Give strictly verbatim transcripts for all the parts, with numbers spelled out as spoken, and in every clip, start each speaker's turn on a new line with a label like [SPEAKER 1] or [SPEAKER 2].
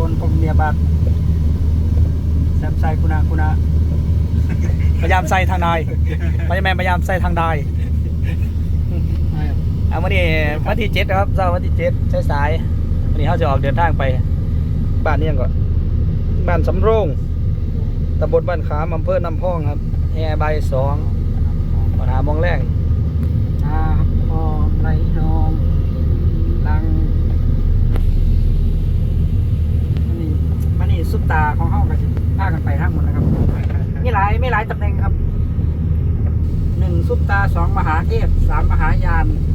[SPEAKER 1] นผมเมียบาดแซมไซคุณาคุณา
[SPEAKER 2] พยายามใส่ทางใดพยายามพยายามใส่ทางใดเอาวันนี้วันที่เจ็ดครับเช้าวันที่เจ็ดใช้สายวันนี้เขาจะออกเดินทางไปบ้านนี้ก่อนบ้านสำโรงตำบลบ้านขามอำเภอน้ำพองครับแห่ใบสองปัญหามองแรง
[SPEAKER 1] อาพอไรนองลังมันนี่มันนี่ซุปตาของเฮาก็สิพากันไปทั้งหมดนะครับมีหลายไม่หลายตำแหน่งครับหนึ่งซุปตาสองมหาเทพสามมหายาน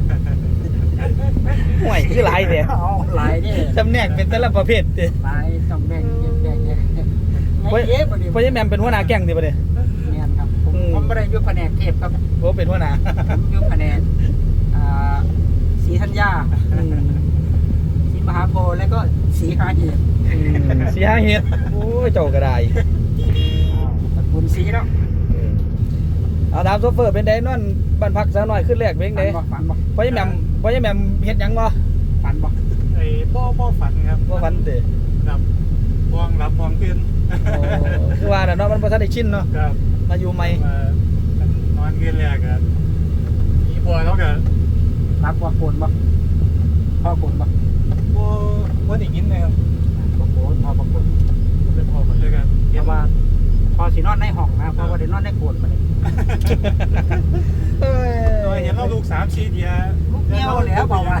[SPEAKER 2] ห่วยคือหลายเดียว
[SPEAKER 1] เอาหลายเนี่ย
[SPEAKER 2] จำแนกเป็นแต่ละประเภทเดีย
[SPEAKER 1] หลายต้องแบ่งแบ่งแบ่งเนี่ย
[SPEAKER 2] เพราะ
[SPEAKER 1] เอ๊ะประเดี๋ยว
[SPEAKER 2] เพราะยังแมมเป็นหัวหน้าแก๊งดีประเดี๋ยว
[SPEAKER 1] เนี่ยครับผม
[SPEAKER 2] อืม
[SPEAKER 1] ผมไม่ได้อยู่แผนกเทพครับ
[SPEAKER 2] เพราะเป็นหัวหน้า
[SPEAKER 1] ผมอยู่แผนกอ่าศรีธัญญาศรีมหาโพธิ์แล้วก็ศรีหาเหตุ
[SPEAKER 2] สีห้าเฮ็ดโอ้ยเจ้ากระได
[SPEAKER 1] ตระกูลศรีเนาะ
[SPEAKER 2] เอาถามโซเฟอร์เป็นไดนอนบ้านพักซะหน่อยขึ้นแรกเป็น
[SPEAKER 1] ฝั
[SPEAKER 2] ได
[SPEAKER 1] นบ่ฝันบ่
[SPEAKER 2] เพราะยังแมมเพราะยังแมมเฮ็ดหยังบ่
[SPEAKER 1] ฝันบ่
[SPEAKER 3] ไอ้พ่อพ่อฝันครับ
[SPEAKER 2] บ่ฝันเด้
[SPEAKER 3] ครับพวงรับพวงขึ้น
[SPEAKER 2] โอ้คือว่าน่ะเนาะมันบ่ทันได้ชินเนาะ
[SPEAKER 3] ครับ
[SPEAKER 2] มาอยู่ใหม่
[SPEAKER 3] มานอนขึ้นแรกอะมีพอแล้วก็
[SPEAKER 1] รับว่าโกนบ่พ่อโกนบ่
[SPEAKER 3] พ่อพ่อได้ยินนะครับ
[SPEAKER 1] บ่โกนพ่อบ่โกน
[SPEAKER 3] เป็นพ่อมาด้วยกัน
[SPEAKER 1] เพราะว่าพอสินอนในห้องนะเพราะว่าได้นอนในโกนมาเลย
[SPEAKER 2] เอ้
[SPEAKER 3] โดยเห็นเราลูกสามชีเดีย
[SPEAKER 1] ลูกเงี้ยวแล้วเบาหวาน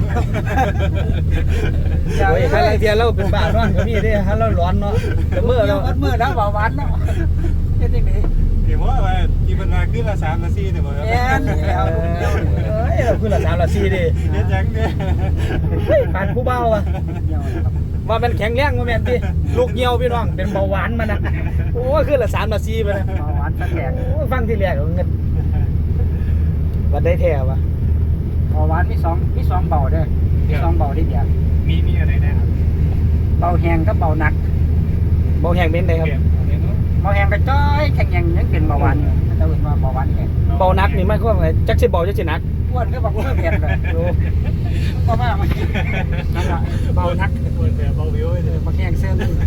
[SPEAKER 2] โอ้ยใครเทียเราเป็นบ้านอนก็มีเด้ฮะเราร้อนเนาะแต่
[SPEAKER 1] เมื่
[SPEAKER 2] เมื่
[SPEAKER 1] อ
[SPEAKER 2] อ
[SPEAKER 1] เรา
[SPEAKER 2] เรา
[SPEAKER 1] เมื่อแล้วเบาหวานเนาะเฮ็ดจังได๋
[SPEAKER 3] เดี๋ยวว่าที่มันมาขึ้นละสามละสี่เนี่ยบ่ครับ
[SPEAKER 1] แม่นแล้วลูกเงี้ยว
[SPEAKER 2] เอ้ยเราคือละสามละสี่ดิ
[SPEAKER 3] เฮ็ดจังเนี่ย
[SPEAKER 2] เฮ้ยผ่านผู้เบาอ่ะ
[SPEAKER 1] เงี้ยวนะครับ
[SPEAKER 2] ว่ามันแข็งแรงว่าแม่นติลูกเหี่ยวพี่น้องเป็นเบาหวานมันน่ะโอ้ยคือละสามละสี่ไปนะ
[SPEAKER 1] เบาหวานสักแหลก
[SPEAKER 2] โอ้ยฟังที่แรกเอาเงินวันได้แท้วะ
[SPEAKER 1] เบาหวานมีสองมีสองเบาเด้อมีสองเบาที่เดียว
[SPEAKER 3] มีมีอะไรนะครับ
[SPEAKER 1] เบาแห้งกับเบาหนัก
[SPEAKER 2] เบาแห้งเป็นไดครับ
[SPEAKER 1] เบาแห้งก็จ้อยแข็งแรงยังเป็นเบาหวานอยู่ถ้าจะเห็นว่าเบาหวานแห้ง
[SPEAKER 2] เบานักนี่มันก็ว่าไงจักสิเบาจักสิหนัก
[SPEAKER 1] อ้วนก็บอกว่าเผ็ดเลย
[SPEAKER 2] โอ้
[SPEAKER 1] เพราะว่ามันนั่นแหละเบาหนัก
[SPEAKER 3] เปิดแบบเบาวิว
[SPEAKER 1] เอ
[SPEAKER 3] เล
[SPEAKER 1] อย มาแห้งเส้นนี่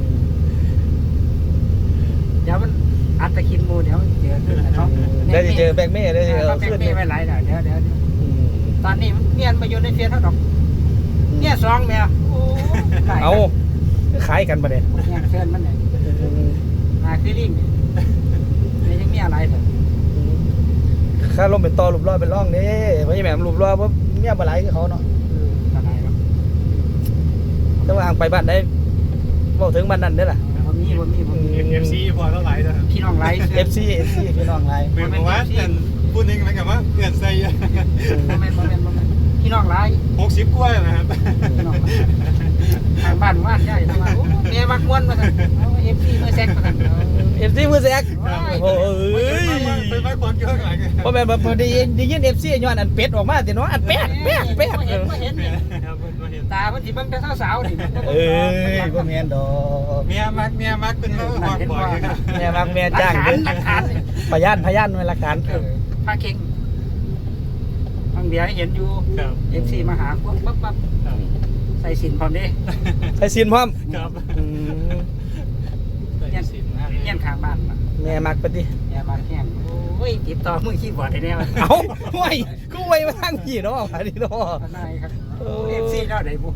[SPEAKER 1] เดี๋ยวมันอัดตะคินหมูเดี๋ยวเจอขึ้นนะเขา
[SPEAKER 2] ได้สิเจอแบกเม่ได้
[SPEAKER 1] เอ
[SPEAKER 2] สิ
[SPEAKER 1] อ
[SPEAKER 2] เอา
[SPEAKER 1] แบ
[SPEAKER 2] ขึ้
[SPEAKER 1] ง
[SPEAKER 2] น
[SPEAKER 1] ค์
[SPEAKER 2] นี่
[SPEAKER 1] นี่ไม่ไหลเดี๋ยวเดี๋ยวเดี๋ยว
[SPEAKER 2] อืม
[SPEAKER 1] ตอนนี้มันเมียนมาอยู่ในเฟียเท่าดอกเนี่ยสองแมวโอ้
[SPEAKER 2] เอาขายกันประเด็น
[SPEAKER 1] แห้งเส้นมันเนี่ยหาคือลิงเนี่ยยังมีอะไรเถอะ
[SPEAKER 2] ค่าลมเป็นต่อรูปรอเป็นร่องนี่เพราะยังแม่รูปรอเพราะเมียบ่หลายคือเขาเนาะ
[SPEAKER 1] อะไรครับ
[SPEAKER 2] แต่ว่าห่างไปบ้านได้เว้าถึงบ้านนั้นเด้อล่ะ
[SPEAKER 1] ผมมีผมมีผมมี
[SPEAKER 3] เอฟซีพอเท่าไหร่นะครับ
[SPEAKER 1] พี่น้องไลฟ์
[SPEAKER 2] เอฟซี เอฟ ซี พี่น้องหลาย
[SPEAKER 3] เป็นเพราะว่าเพื่อนพูดนึงเหมือนกับว่าเพื่อนใส่
[SPEAKER 1] โมเมนต์โมเมนต์โมเมนต์พี่น้องไลฟ์
[SPEAKER 3] หกสิบกว่านะครับ
[SPEAKER 1] พี่น้องไลฟ์ทางบ้านว่านใหญ่ทางบ้านโอ้เมียมักม้วนมาสั่นเอาเอฟซีเมื่อแซกมาสั่น
[SPEAKER 2] เอฟซีมือแซกโอ้ย
[SPEAKER 3] ไปไปความเยอะหน่อย
[SPEAKER 2] เพราะแม่นบ่พอได้ยินได้ยิน เอฟ ซี ย้อนอันเป็ดออกมาติเนาะอันเป็ดเป็ดเป็ด
[SPEAKER 1] เห็นเห็น
[SPEAKER 3] ครับมาเห็น
[SPEAKER 1] ตามันสิมันเป็นสาวๆนี่
[SPEAKER 2] เอ้ยบ่แม่นดอก
[SPEAKER 3] เมียมักเมียมักเป็นหอกบ่อยครับ
[SPEAKER 2] แม่มักแม่
[SPEAKER 1] หลัก
[SPEAKER 2] จ้าง
[SPEAKER 1] ฐา
[SPEAKER 2] เด้
[SPEAKER 1] นหลักฐาน
[SPEAKER 2] พยานพยานไว้หลักฐาน
[SPEAKER 1] เออพาเก่งบางเบียร์เห็นอยู่
[SPEAKER 3] ครับ
[SPEAKER 1] เอฟซีมาหาปั๊บปั๊บปั๊บใส่สินพร้อมเด้
[SPEAKER 2] ใส่ซีนพร้อม
[SPEAKER 3] ครับ
[SPEAKER 2] อืม
[SPEAKER 1] เงี้ยนข้างบ้านมา
[SPEAKER 2] แม่มักปฏิ
[SPEAKER 1] แย่มาแห้งโอ้ยติดต่อมือคีย์บอร์ดได้แน่
[SPEAKER 2] เอ้าห่วยกูไว้มาทางพี่เนาะอันนี้เนาะ
[SPEAKER 1] นายครับเอฟซีเท่าไหร่บุ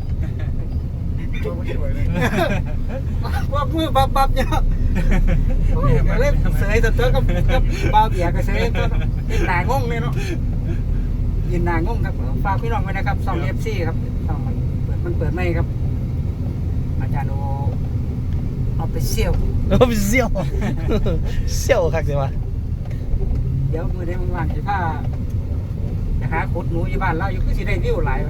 [SPEAKER 1] ว่ามือบับบับเนี่ยเล่นเสยตัวตัวกับกับบ่าวเบียร์กับเสยตัวเป็นหนางงเลยเนาะยืนหนางงครับฝากพี่น้องไว้นะครับสองเอฟซีครับสองมันเปิดมันเปิดไม่ครับอาจารย์โอเอาไปเชี่ยว
[SPEAKER 2] โอ้เสี่ยวเสี่ยวคักสิวะ
[SPEAKER 1] เดี๋ยวมือได้ว่างๆสิผ้าจะหาขุดหนูอยู่บ้านเราอยู่ก็สิได้วิวหลาย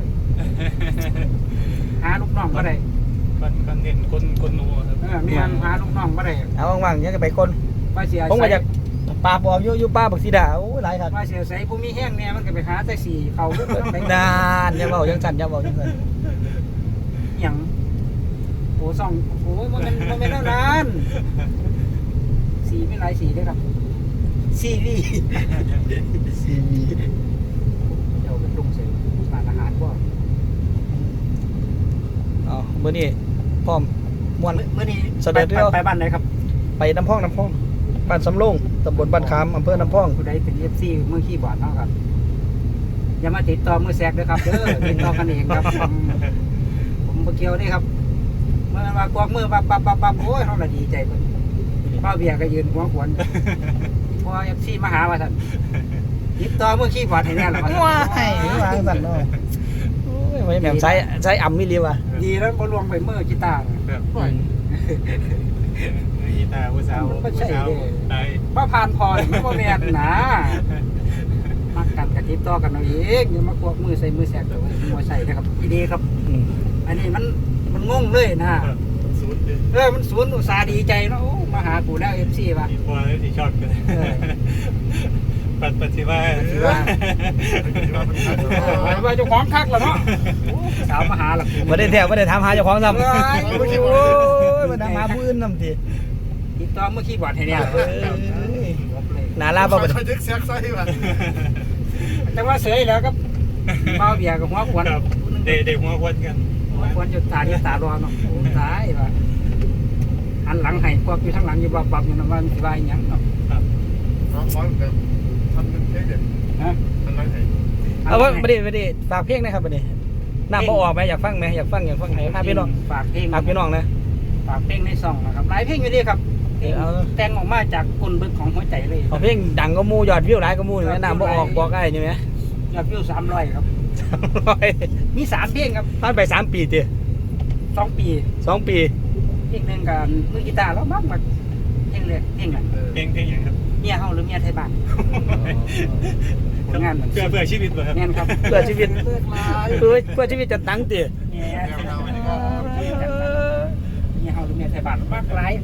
[SPEAKER 1] หาลูกน้องก็ได้
[SPEAKER 3] คนคนเห็นคนคนนูครับ
[SPEAKER 1] เออมีอันหาลูกน้องก็ได้
[SPEAKER 2] เอาว่างๆยังจะไปคน
[SPEAKER 1] ว่าเสีย
[SPEAKER 2] ผมก็จะปลาปอกอยู่อยู่ป้าบักสีดาโอ้ยหลายครับ
[SPEAKER 1] ว่าเสียใส่ผู้มีแห้งเนี่ยมันก็ไปหาแต่สี่เขาลูกน้องไป
[SPEAKER 2] นานยังเบายังสั่นยังเบายังสั่น
[SPEAKER 1] อย่างโอ้สองโอ้มันเป็นมันเป็นเท่านั้นสีไม่หลายสีด้วยครับซีรีส์
[SPEAKER 2] ซีวี
[SPEAKER 1] เดี๋ยวเป็นลุงเสร็จร้านอาหารก็
[SPEAKER 2] อ๋อมื้อนี้พร้อมม่วน
[SPEAKER 1] เมื่อนี้
[SPEAKER 2] เสด็จเดียว
[SPEAKER 1] ไปบ้านไหนครับ
[SPEAKER 2] ไปน้ำพองน้ำพองบ้านสำโรงตำบลบ้านขามอำเภอน้ำพอง
[SPEAKER 1] ผู้ใดเป็น เอฟ ซี เมื่อขี้บอดเนาะครับอย่ามาติดต่อมือแซกเด้อครับเด้อติดต่อกันเองครับผมผมบ่เกี่ยวนี่ครับเมื่อมากวกมือปั๊บปั๊บปั๊บปั๊บโอ้ยเฮาละดีใจเพิ่นป้าเบียร์ก็ยืนหัวขวนพอ เอฟ ซี มาหาว่าซั่นติดต่อมือขี้บอดให้แน่ล่ะว่าซั่น
[SPEAKER 2] ว้ายว้างสั่นเนาะโอ้ยไว้แม่มใช้ใช้อ่ำมิลีว่ะ
[SPEAKER 1] ดีแล้วบ่ลวงไปมือกีตาร์
[SPEAKER 3] แบบ
[SPEAKER 2] อืม
[SPEAKER 3] กีตาร์ผู้สาว
[SPEAKER 1] มันก็
[SPEAKER 3] ผู้
[SPEAKER 1] ใช่
[SPEAKER 3] สาว
[SPEAKER 1] เด้
[SPEAKER 3] ได้
[SPEAKER 1] บ่ผ่านพอนี่มันบ่แม่นนะมักกันก็ติดต่อกันเอาเองอย่ามาควกมือใส่มือแซกตัวบ่ใช่เด้อครับดีๆครับ
[SPEAKER 2] อืม
[SPEAKER 1] อันนี้มันมันงงเลยนะ
[SPEAKER 3] ศูนย์เดือน
[SPEAKER 1] เออมันศูนย์อุตสาห์ดีใจเนาะโอ้มาหากูแล้วเอฟซีว่ะ
[SPEAKER 3] ที่พอแล้วที่ชอบกันปัดปัดสิว่า
[SPEAKER 1] ปัดสิว่า ว่าเจ้าของคักแล้วเนาะโอ้สาวมาหาหลักกู
[SPEAKER 2] บ่ได้แท้บ่ได้ถามหาเจ้าของซ้ำ
[SPEAKER 1] เอ้ย
[SPEAKER 2] โอ้ยบ่ถามหาผู้อื่นนำติ
[SPEAKER 1] ติดต่อเมื่อกี้บอดให้เนี่ย
[SPEAKER 2] เอ้ยหนาลาบ่บัด
[SPEAKER 4] เขายึกแซกไส้ว่ะ
[SPEAKER 1] แต่ว่าเสยแล้วก็เมาเบียร์กับหัวขวน
[SPEAKER 3] ครับเด็กเด็กหัวควนกัน
[SPEAKER 1] หัวขวนอยู่ตาอยู่ตารอเนาะโอ้ตายว่ะหันหลังให้พวกอยู่ทางหลังอยู่บับบับอยู่นะว่ามันสิว่าอีหยังเนาะ
[SPEAKER 3] ครับ
[SPEAKER 4] น้องร้อนกันทำเป็นเค้กเด็ด
[SPEAKER 1] ฮะ
[SPEAKER 4] ทำไรไหน
[SPEAKER 2] เอาว่าบ่ได้บ่ได้ฝากเพลงนะครับบัดนี้น้ำบ่ออกไหมอยากฟังไหมอยากฟังอยากฟังให้พาพี่น้อง
[SPEAKER 1] ฝากเพลง
[SPEAKER 2] ฝากพี่น้องนะ
[SPEAKER 1] ฝากเพลงในซองนะครับหลายเพลงอยู่ดีครับเพลง
[SPEAKER 2] เอา
[SPEAKER 1] แต่งออกมาจากคนบึกของหัวใจเลย
[SPEAKER 2] เอาเพลงดังก็มูยอดวิวหลายก็มูนี่แหมน้ำบ่ออกบอกได้ใช่ไหม
[SPEAKER 1] ยอดวิวสามร้อยครับ
[SPEAKER 2] ร้อย
[SPEAKER 1] มีสามเพลงครับ
[SPEAKER 2] ผ่านไปสามปีติ
[SPEAKER 1] สองปี
[SPEAKER 2] สองปี
[SPEAKER 1] เพลงหนึ่งกับมือกีตาร์แล้วมากมาเพลงเลยเพลงนั้น
[SPEAKER 3] เพลงเพลงอย่างครับ
[SPEAKER 1] เมียเฮาหรือเมียไทยบ้านผลงานเหมือน
[SPEAKER 3] เพื่อเพื่อชีวิตเหรอครับ
[SPEAKER 1] แม่นครับ
[SPEAKER 2] เพื่อชีวิต
[SPEAKER 1] เพื่อลาย
[SPEAKER 2] เพื่อเพื่อชีวิตจะตั้งติ
[SPEAKER 1] เนี่ย
[SPEAKER 4] แนวเราอันนี้ก็
[SPEAKER 1] เมียเฮาหรือเมียไทยบ้านมากหลาย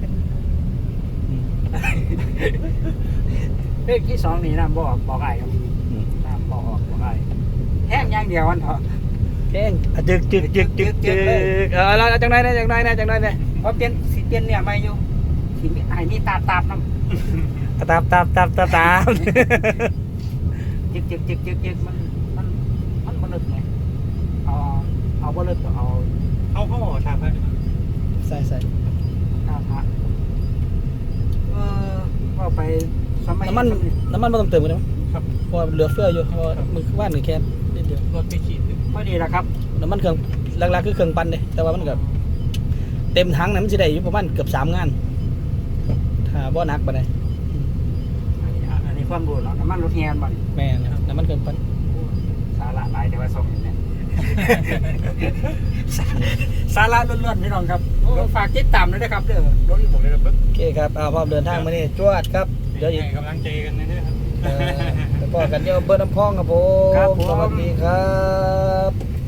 [SPEAKER 1] เพลงที่สองนี่นะบอกบอกไอ้ครับนะบอกออกบอกไอ้แห้งอย่างเดียววันเถอะ
[SPEAKER 2] เพลงอ่ะจึกจึกจึกจึกจึกเออแล้วจังได๋นะจังได๋นะจังได๋นะ
[SPEAKER 1] เพราะเปลี่ยนสิเปลี่ยนเนี่ยไม่อยู่สิมีไอ้นี่ตาตาบน้ำ
[SPEAKER 2] ตามตามตามตามตาม
[SPEAKER 1] จึกจึกจึกจึกจึกมันมันมันบลึกไงเอาเอาบลึกเอา
[SPEAKER 3] เขาเขาบอกทำให้
[SPEAKER 2] ใส่ใส่
[SPEAKER 1] ข้าวพระเออว่าไปสมัย
[SPEAKER 2] น้ำมันน้ำมันบ่ต้องเติมกันมั้ย
[SPEAKER 3] ครับ
[SPEAKER 2] เพราะว่าเหลือเฟืออยู่เพราะว่ามือว่านนี่แค่นิดเดียว
[SPEAKER 3] รถไปขีด
[SPEAKER 1] พอดีแหละครับ
[SPEAKER 2] น้ำมันเครื่องหลักๆคือเครื่องปั่นเด้แต่ว่ามันก็เต็มถังน่ะมันสิได้อยู่ประมาณเกือบสามงานถ้าบ่หนักปานใด
[SPEAKER 1] อันนี้อันนี้ความรู้เนาะน้ำมันรถแฮนบ่
[SPEAKER 2] แม่นน้ำมันเครื่องปั่น
[SPEAKER 1] สาระหลายแต่ว่าส่งอย่างนี้ สาสาระล้วนๆพี่น้องครับโอ้ฝากติดตามด้วยนะครับเด้อรถอีก
[SPEAKER 3] ผมเลยครับ
[SPEAKER 2] โอเคครับเอาพร้อมเดินทางมานี่จวดครับเดี๋ยวอีก
[SPEAKER 3] ให้กำลังใจกันนะครับ
[SPEAKER 2] เออแล้วก็กันเดี๋ยวเบอร์น้ำพองครับผม
[SPEAKER 1] ครับผม
[SPEAKER 2] สวัสดีครับ